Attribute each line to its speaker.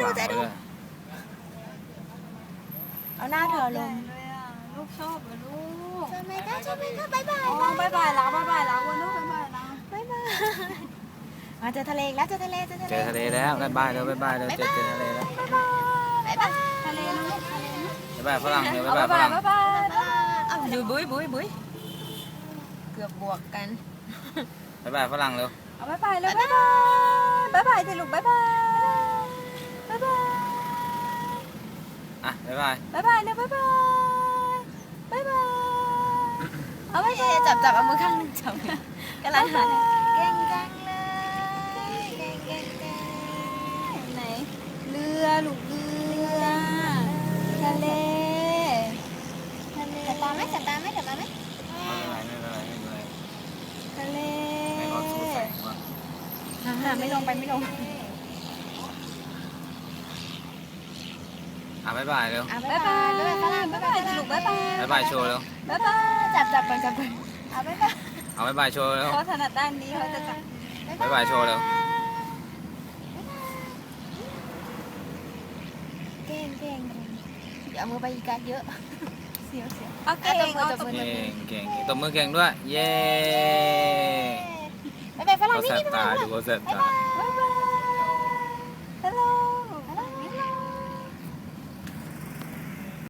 Speaker 1: ดูเจ๊ดูเอาหน้าเธอลง
Speaker 2: ลูกชอบเหรอลูก
Speaker 1: ชอบไหมคะชอบไหมคะบ๊ายบาย
Speaker 2: อ๋อบายบายแล้วบายบายแล้ววันลูกบายบายแล้ว
Speaker 1: บ๊ายบายมาเจอทะเลอีกแล้วเจอทะเล
Speaker 3: เจอทะเลแล้วบ๊ายบายแล้วบ๊ายบายแล้วเจอทะเลแล้ว
Speaker 1: บ๊ายบาย
Speaker 2: ทะเลนะลูกทะเลนะ
Speaker 3: บ๊ายบายฝรั่งเร็ว
Speaker 2: เอา
Speaker 3: บ๊ายบา
Speaker 2: บาย ย
Speaker 3: ฝ
Speaker 2: บาย
Speaker 3: รั่ง
Speaker 2: บายบาย
Speaker 1: เอาดูบุ้ยเกือบบวกกัน
Speaker 3: บ๊ายบายฝรั่งเร็ว
Speaker 2: เอาบายบายแล้วบายบายบายบายสิลูกบายบายบายบาย
Speaker 3: อ่ะบ๊ายบาย
Speaker 2: บายบายนะบายบายบายบายเอาบายบาย
Speaker 1: จับเอามือข้างนึงจับกำลังหาเก่งจังเลยเก่ง
Speaker 2: ไหนเรือลูกเรือทะเล
Speaker 1: จับตาไหมจับตาไหม
Speaker 3: ไม่เป็นไรไม่เป็นไรไม่เป็นไร
Speaker 2: ทะเล
Speaker 3: ไม่ร้อนสู้แสงว่ะ
Speaker 2: ไม่ลงไปไม่ลง
Speaker 3: อ่ะบ๊ายบายเร็ว
Speaker 1: บ๊ายบายบ๊ายบายฝรั่ง
Speaker 2: บายบายสิลูกบายบาย
Speaker 3: บ๊ายบายโชว์เร็ว
Speaker 2: บายบาย
Speaker 1: จับก่อนเอาบ๊ายบาย
Speaker 3: เอาบ๊ายบายโชว์เร็ว
Speaker 2: เขาถนัดด้านนี้เขาจะจับ
Speaker 3: บ๊ายบายโชว์เร็ว
Speaker 1: เก่งอย่าเอามือไปอีกการเยอะเสียว
Speaker 2: เอาเก่งเอาตบมือ
Speaker 3: เก่งเก่งตบมือเก่งด้วยเย้
Speaker 1: บ๊ายบายฝรั่ง
Speaker 3: เขา
Speaker 1: นี่
Speaker 3: แสบตาดูเขาแสบตา
Speaker 2: บ๊าย